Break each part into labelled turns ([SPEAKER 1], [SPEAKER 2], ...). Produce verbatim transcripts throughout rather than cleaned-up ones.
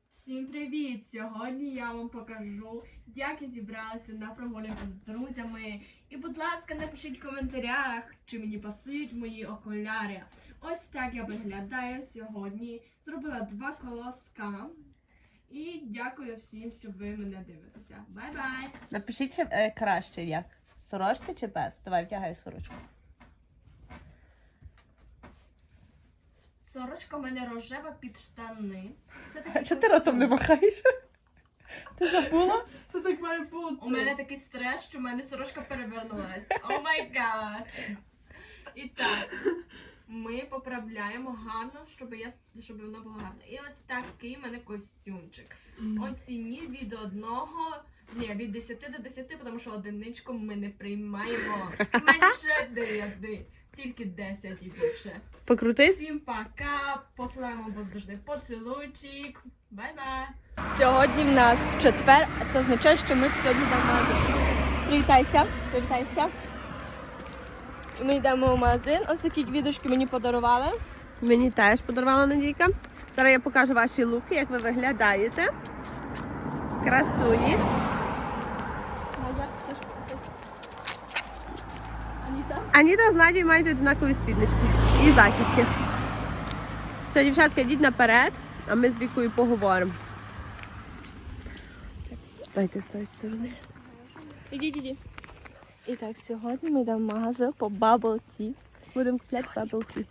[SPEAKER 1] Всім привіт! Сьогодні я вам покажу, як я зібралася на прогулянку з друзями. І, будь ласка, напишіть в коментарях, чи мені пасують мої окуляри. Ось так я виглядаю сьогодні. Зробила два колоска. І дякую всім, що ви мене дивитеся. Бай-бай!
[SPEAKER 2] Напишіть е, краще як. Сорочці чи без? Давай, вдягай сорочку.
[SPEAKER 1] Сорочка в мене рожева під штани. Це
[SPEAKER 2] А
[SPEAKER 1] такий
[SPEAKER 2] чого ти ротом не
[SPEAKER 1] костюм.
[SPEAKER 2] махаєш? Ти забула?
[SPEAKER 3] Це так має бути.
[SPEAKER 1] У мене такий стрес, що в мене сорочка перевернулась. О май гад! І так, ми поправляємо гарно, щоб, я, щоб воно було гарно. І ось такий в мене костюмчик. Оцініть від одного, ні, від десяти до десяти, тому що одиничку ми не приймаємо. Менше дев'яти, тільки десять і більше.
[SPEAKER 2] Покрутись.
[SPEAKER 1] Всім пока, посилаємо воздушний поцілуйчик. Бай-бай!
[SPEAKER 4] Сьогодні в нас четвер, а це означає, що ми сьогодні йдемо в магазин. Привітайся, привітайся. Ми йдемо в магазин. Ось такі квіточки мені подарували.
[SPEAKER 2] Мені теж подарувала Надійка. Зараз я покажу ваші луки, як ви виглядаєте. Красуні.
[SPEAKER 4] Надя, теж Аніта.
[SPEAKER 2] Аніта з Надією мають однакові спіднички і зачіски. Все, дівчатка, йдіть наперед, а ми з Вікою поговоримо. Дайте з тої сторони.
[SPEAKER 4] Ідіть, ідіть. І так, сьогодні ми йдемо в магазин по Bubble Tea. Будемо купляти Bubble Tea.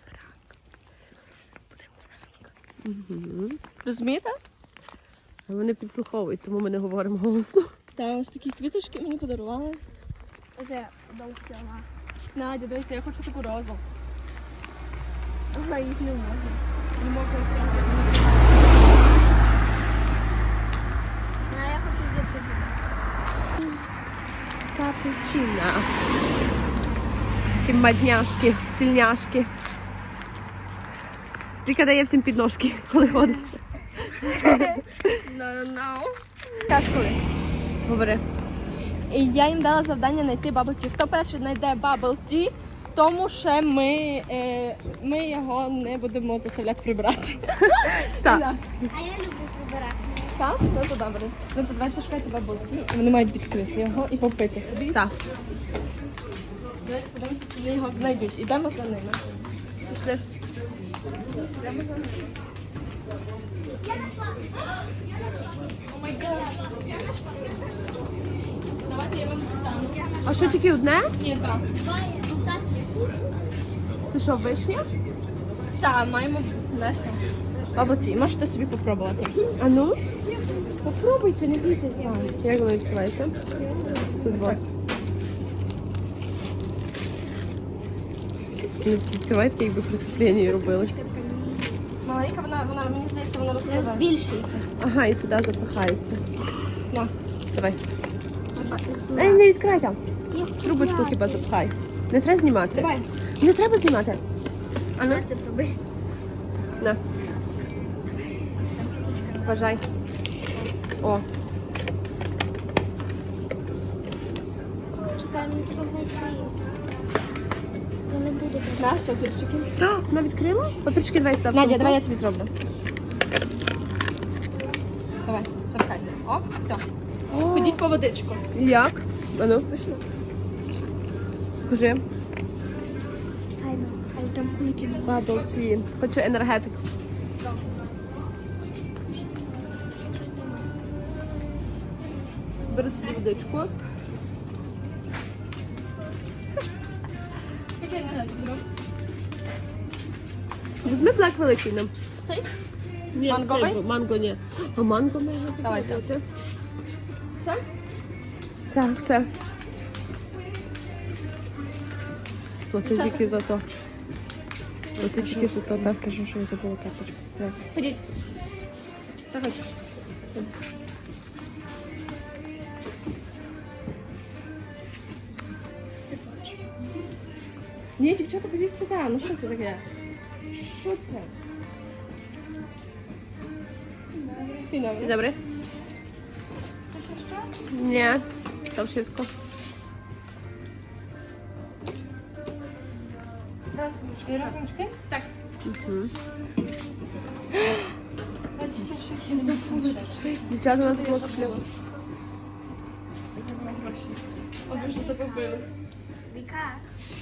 [SPEAKER 2] Угу.
[SPEAKER 4] Розумієте?
[SPEAKER 2] Вони підслуховують, тому ми не говоримо голосно.
[SPEAKER 4] Так, ось такі квіточки мені подарували. Ось я довгіла. Надя, дивися, я хочу таку розу. Ага, їх не можна. Не можна.
[SPEAKER 5] А я хочу взяти.
[SPEAKER 2] Капучино. Такі мадняшки, стільняшки. Віка дає всім підножки, коли ходить.
[SPEAKER 4] Кажеш коли?
[SPEAKER 2] Говори.
[SPEAKER 4] І я їм дала завдання знайти Bubble Tea. Хто перший знайде Bubble Tea, тому що ми, е, ми його не будемо заставляти прибирати.
[SPEAKER 2] Так.
[SPEAKER 5] А я люблю прибирати.
[SPEAKER 4] Так? Ну то добре. Ну то давайте шукайте Bubble Tea. І вони мають відкрити його і попити собі.
[SPEAKER 2] Так.
[SPEAKER 4] Давайте подивимося, чи вони його знайдуть. Ідемо за ними.
[SPEAKER 2] Пішли.
[SPEAKER 4] Ідемо за ними. О май гад. Давайте я вам достану.
[SPEAKER 2] А що, тільки одне?
[SPEAKER 4] Ні, так.
[SPEAKER 2] Це що, вишня?
[SPEAKER 4] Так, маємо легко. Bubble Tea. Можете собі попробувати.
[SPEAKER 2] А ну? Попробуйте, не бійтеся. Як воно відкривається? Тут вот. Ну, відкривайте, якби преступлення робили.
[SPEAKER 4] Маленька, вона, вона, мені здається, вона розкриває.
[SPEAKER 5] Більший.
[SPEAKER 2] Ага, і сюди запихається.
[SPEAKER 4] На.
[SPEAKER 2] Давай. Ей, не відкривай там. Трубочку хіба запхай. Не треба знімати.
[SPEAKER 4] Давай.
[SPEAKER 2] Не треба знімати. А ну,
[SPEAKER 5] Ти пробуй.
[SPEAKER 2] на. Бажай. О,
[SPEAKER 5] Чекай, мені треба знайти. Я не буду.
[SPEAKER 4] На, папірчики.
[SPEAKER 2] А, вона відкрила? Папірчики давай сюди. в
[SPEAKER 4] Надя,
[SPEAKER 2] сумку.
[SPEAKER 4] давай я тобі зроблю. Давай, запхай. О, все.
[SPEAKER 2] О,
[SPEAKER 4] Ходіть по водичку.
[SPEAKER 2] як? А ну, кажи.
[SPEAKER 5] Файно, хай там кульки.
[SPEAKER 2] Bubble tea. Хочу енергетик. Беру собі водичку.
[SPEAKER 4] Який нагляд беру?
[SPEAKER 2] Візьми блек великий нам.
[SPEAKER 4] Цей?
[SPEAKER 2] Ні,
[SPEAKER 4] Манговий?
[SPEAKER 2] цей, манго ні. А манго можна
[SPEAKER 4] Давай,
[SPEAKER 2] попробувати.
[SPEAKER 4] Все?
[SPEAKER 2] Так, все. Плати тільки за то. Плати тільки за то, так.
[SPEAKER 3] Скажу, що я забула карточку.
[SPEAKER 4] Ходіть. Заходь. Ні, дівчата, ходіть сюди. Ну що це таке? Що це? Dzień dobry.
[SPEAKER 2] Dzień dobry.
[SPEAKER 5] Coś jeszcze?
[SPEAKER 2] Nie, to wszystko.
[SPEAKER 4] Raz, raz, tak?
[SPEAKER 2] Mhm.
[SPEAKER 4] dwadzieścia
[SPEAKER 2] Дівчата, у нас блок шлюбу.
[SPEAKER 4] Аби що тебе били.
[SPEAKER 5] Віка.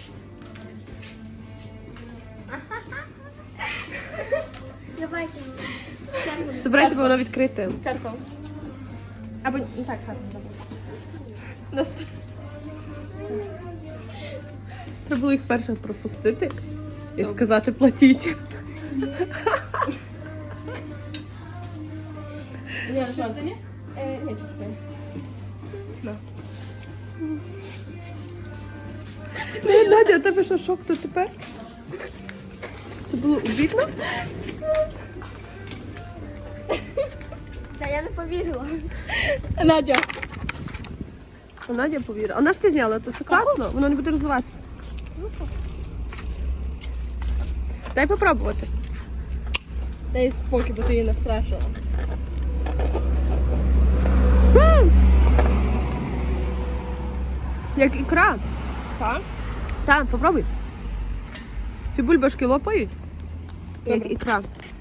[SPEAKER 5] Давайте чергу.
[SPEAKER 2] Забирайте, бо воно відкрите.
[SPEAKER 4] Карпов.
[SPEAKER 2] Або ну так, так. Треба було їх перше пропустити і сказати платіть.
[SPEAKER 4] Я жовта, ні? Е, ні, чекай.
[SPEAKER 2] Не, Надя, у тебе що, шок то тепер? Це було обідно?
[SPEAKER 5] Та я не повірила.
[SPEAKER 4] Надя.
[SPEAKER 2] А Надя повірила. А на ж ти зняла, то це класно, воно не буде розвиватися. Дай попробувати.
[SPEAKER 4] Дай спокій, бо ти її настрашила.
[SPEAKER 2] Як ікра.
[SPEAKER 4] Так?
[SPEAKER 2] Так, попробуй. Ці бульбашки лопають. Як ікра.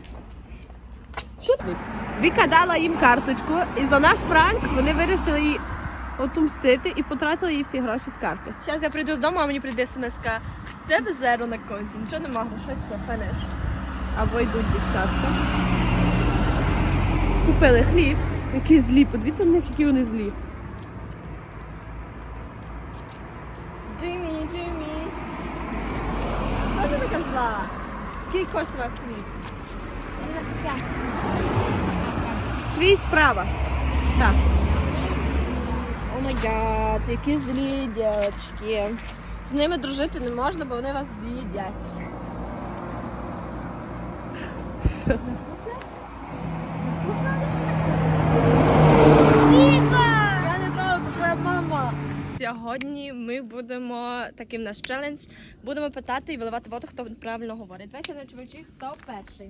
[SPEAKER 2] Що тобі? Віка дала їм карточку, і за наш пранк вони вирішили її отомстити і потратили їй всі гроші з карти.
[SPEAKER 4] Зараз я прийду додому, а мені прийде смс-ка. В тебе зеро на конті, нічого нема, грошей, все, фенеш.
[SPEAKER 2] Або йдуть дівчатка. Купили хліб. Які злі. Подивіться на них, які вони злі.
[SPEAKER 4] Джиммі, Джиммі. Що ти така зла? Скільки коштував хліб?
[SPEAKER 5] двадцять п'ять.
[SPEAKER 2] Твій справа. Так.
[SPEAKER 4] О май гад, які злі дівчатки. З ними дружити не можна, бо вони вас з'їдять.
[SPEAKER 5] Віка!
[SPEAKER 4] Я не трогаю, то твоя мама. Сьогодні ми будемо, таким наш челендж, будемо питати і виливати воду, хто правильно говорить. Давайте на чувачі, хто перший.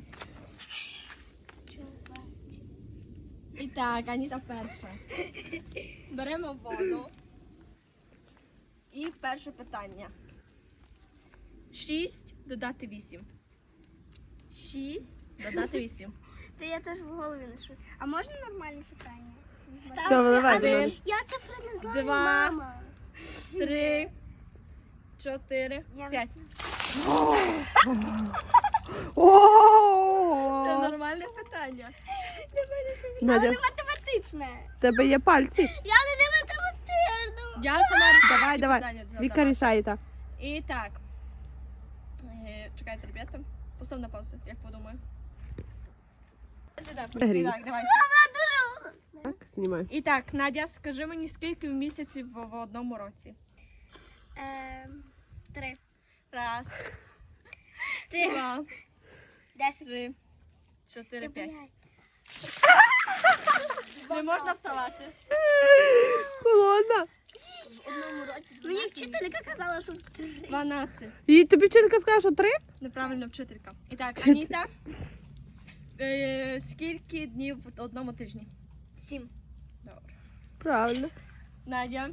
[SPEAKER 4] І так, Аніта перша. Беремо воду. І перше питання. Шість додати вісім.
[SPEAKER 5] Шість.
[SPEAKER 4] Додати вісім.
[SPEAKER 5] Та я теж в голові не шую. А можна нормальне питання?
[SPEAKER 2] Все, виливай.
[SPEAKER 4] Один.
[SPEAKER 2] виливай.
[SPEAKER 5] Я цифри не знаю,
[SPEAKER 4] Два.
[SPEAKER 5] мама.
[SPEAKER 4] Три, чотири,
[SPEAKER 5] Я
[SPEAKER 4] п'ять.
[SPEAKER 2] О!
[SPEAKER 4] Це нормальне питання.
[SPEAKER 2] Надя,
[SPEAKER 5] Але не математичне.
[SPEAKER 2] в тебе є пальці.
[SPEAKER 5] Я не математична.
[SPEAKER 4] Я сама рішаю.
[SPEAKER 2] Давай, давай.
[SPEAKER 4] питання задавати.
[SPEAKER 2] Віка рішає так.
[SPEAKER 4] І так. Е, Чекайте, ребята. Постав на паузу, як подумаю. Так,
[SPEAKER 2] Грій.
[SPEAKER 4] так, давай.
[SPEAKER 2] Так, знімай.
[SPEAKER 4] І так, Надя, скажи мені, скільки місяців в, в одному році?
[SPEAKER 5] Ем, Три.
[SPEAKER 4] Раз,
[SPEAKER 5] Чотири.
[SPEAKER 4] два,
[SPEAKER 5] Десять.
[SPEAKER 4] три, чотири, п'ять.
[SPEAKER 5] П'ять.
[SPEAKER 4] Не можна вставати.
[SPEAKER 2] Холодна.
[SPEAKER 5] В одному році. Мені вчителька казала, що в три.
[SPEAKER 4] Дванадцять.
[SPEAKER 2] І тобі вчителька сказала, що три?
[SPEAKER 4] Неправильно вчителька. І так, Аніта, е, скільки днів в одному тижні?
[SPEAKER 5] Сім.
[SPEAKER 4] Добре.
[SPEAKER 2] Правильно.
[SPEAKER 4] Надя.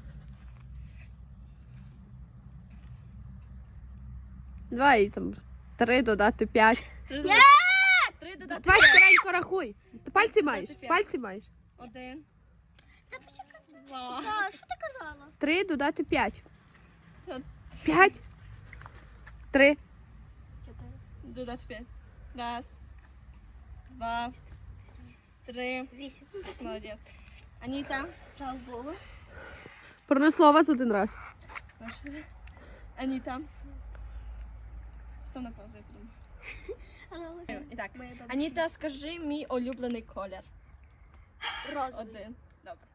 [SPEAKER 2] Давай там три додати п'ять.
[SPEAKER 4] Три додати, три додати
[SPEAKER 2] Давай
[SPEAKER 4] п'ять.
[SPEAKER 2] скоренько рахуй. Ти пальці маєш?
[SPEAKER 4] п'ять.
[SPEAKER 2] Пальці маєш.
[SPEAKER 4] Один,
[SPEAKER 5] Та почекай.
[SPEAKER 4] два,
[SPEAKER 5] Та, що ти казала?
[SPEAKER 2] Три додати п'ять.
[SPEAKER 4] От.
[SPEAKER 2] П'ять. Три.
[SPEAKER 5] Чотири.
[SPEAKER 4] додати п'ять. Раз, два, три.
[SPEAKER 5] Вісім.
[SPEAKER 4] Молодець. Аніта.
[SPEAKER 5] Слава Богу.
[SPEAKER 2] Пронесло вас один раз.
[SPEAKER 4] Прошу. Аніта. Став на паузу, я подумаю.
[SPEAKER 5] Але
[SPEAKER 4] І так.
[SPEAKER 5] моя бабуся.
[SPEAKER 4] Аніта, скажи мій улюблений колір.
[SPEAKER 5] Розовий.
[SPEAKER 4] Один. Добре.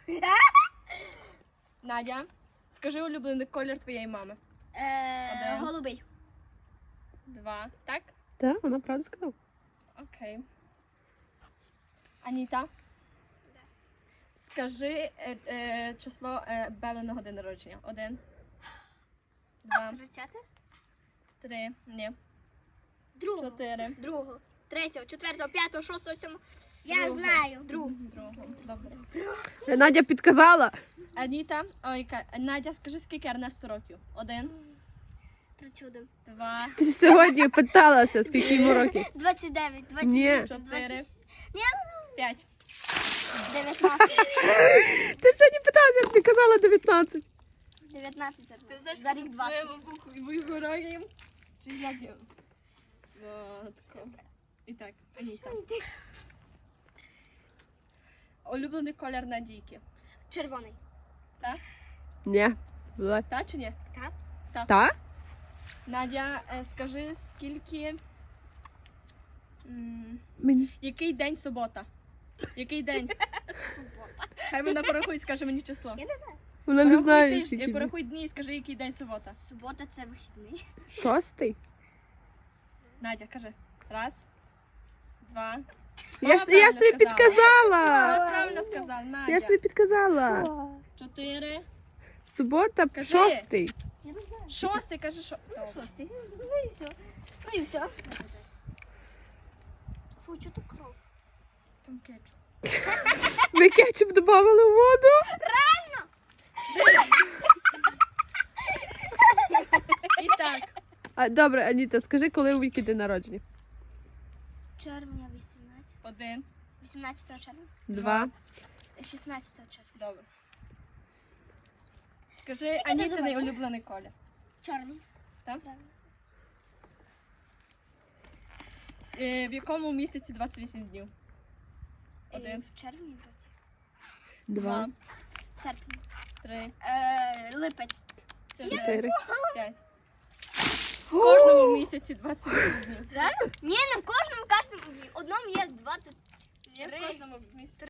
[SPEAKER 4] Надя, скажи улюблений колір твоєї мами.
[SPEAKER 5] Е,
[SPEAKER 4] Один.
[SPEAKER 5] Голубий.
[SPEAKER 4] Два. Так?
[SPEAKER 2] Так, вона правду сказала.
[SPEAKER 4] Окей. Аніта. Скажи е, е, число е, Белиного день народження. Один. Два.
[SPEAKER 5] Тридцяте?
[SPEAKER 4] Три. Ні.
[SPEAKER 5] Другого.
[SPEAKER 4] Чотири.
[SPEAKER 5] Другого. Третього, четвертого, п'ятого, шостого, сьомого. Я
[SPEAKER 4] Другого.
[SPEAKER 5] знаю. Другого.
[SPEAKER 4] Другого. Добре.
[SPEAKER 2] Надя підказала.
[SPEAKER 4] Аніта. Ой, Ка- Надя, скажи, скільки Ернесту років? Один.
[SPEAKER 5] тридцять один.
[SPEAKER 4] Два.
[SPEAKER 2] Ти ж сьогодні питалася, скільки йому років.
[SPEAKER 5] двадцять дев'ять, двадцять
[SPEAKER 2] Ні.
[SPEAKER 5] вісім,
[SPEAKER 4] Чотири.
[SPEAKER 5] двадцять,
[SPEAKER 4] П'ять.
[SPEAKER 5] дев'ятнадцять.
[SPEAKER 2] Ти ж сьогодні питалася, як ти казала дев'ятнадцять.
[SPEAKER 5] дев'ятнадцять це
[SPEAKER 1] Ти знаєш,
[SPEAKER 5] за рік двадцять.
[SPEAKER 4] Вигораємо. Чи як я? Отко. І так, Аніта. Улюблений колір Надійки.
[SPEAKER 5] Червоний.
[SPEAKER 2] Ні. Була.
[SPEAKER 4] Та чи ні?
[SPEAKER 5] Так.
[SPEAKER 2] Та?
[SPEAKER 4] Надя, е, скажи, скільки... м,
[SPEAKER 2] Мені.
[SPEAKER 4] Який день субота? Який день?
[SPEAKER 5] Субота.
[SPEAKER 4] Хай вона порахує і скаже мені число.
[SPEAKER 5] Я не знаю.
[SPEAKER 2] Вона не
[SPEAKER 4] Порахуй
[SPEAKER 2] знає,
[SPEAKER 4] тиждень,
[SPEAKER 2] скільки.
[SPEAKER 4] порахуй дні і скажи, який день субота.
[SPEAKER 5] Субота це вихідний.
[SPEAKER 2] Шостий?
[SPEAKER 4] Надя, кажи. Раз, два.
[SPEAKER 2] Я ж,
[SPEAKER 4] Вона
[SPEAKER 2] я ж тобі
[SPEAKER 4] правильно сказала.
[SPEAKER 2] підказала.
[SPEAKER 4] Вона правильно сказав, Надя.
[SPEAKER 2] Я ж тобі підказала.
[SPEAKER 4] Чотири.
[SPEAKER 2] Субота,
[SPEAKER 4] Кажи.
[SPEAKER 2] шостий.
[SPEAKER 5] Я не знаю.
[SPEAKER 4] Шостий, кажи, що.
[SPEAKER 5] Шостий. Ну і все. Ну і все. Фу, чого так кров?
[SPEAKER 4] Там кетчуп.
[SPEAKER 2] Ми кетчуп додавали в воду.
[SPEAKER 4] І так.
[SPEAKER 2] А, добре, Аніта, скажи, коли у Віки день народження?
[SPEAKER 5] Червня вісімнадцятого.
[SPEAKER 4] Один.
[SPEAKER 5] вісімнадцятого червня.
[SPEAKER 2] Два.
[SPEAKER 5] шістнадцятого червня.
[SPEAKER 4] Добре. Скажи, Анітиний улюблений колір.
[SPEAKER 5] Чорний.
[SPEAKER 4] Так? Е, В якому місяці двадцять вісім днів? Один.
[SPEAKER 5] Е, В червні вроді.
[SPEAKER 2] Два.
[SPEAKER 5] Серпні.
[SPEAKER 4] Три.
[SPEAKER 5] Е, Липець.
[SPEAKER 4] Чотири.
[SPEAKER 2] Чотири.
[SPEAKER 4] П'ять. В кожному місяці двадцять вісім днів.
[SPEAKER 5] Реально? Ні, не в кожному, в кожному. В одному є двадцять.
[SPEAKER 4] Є в кожному місяці.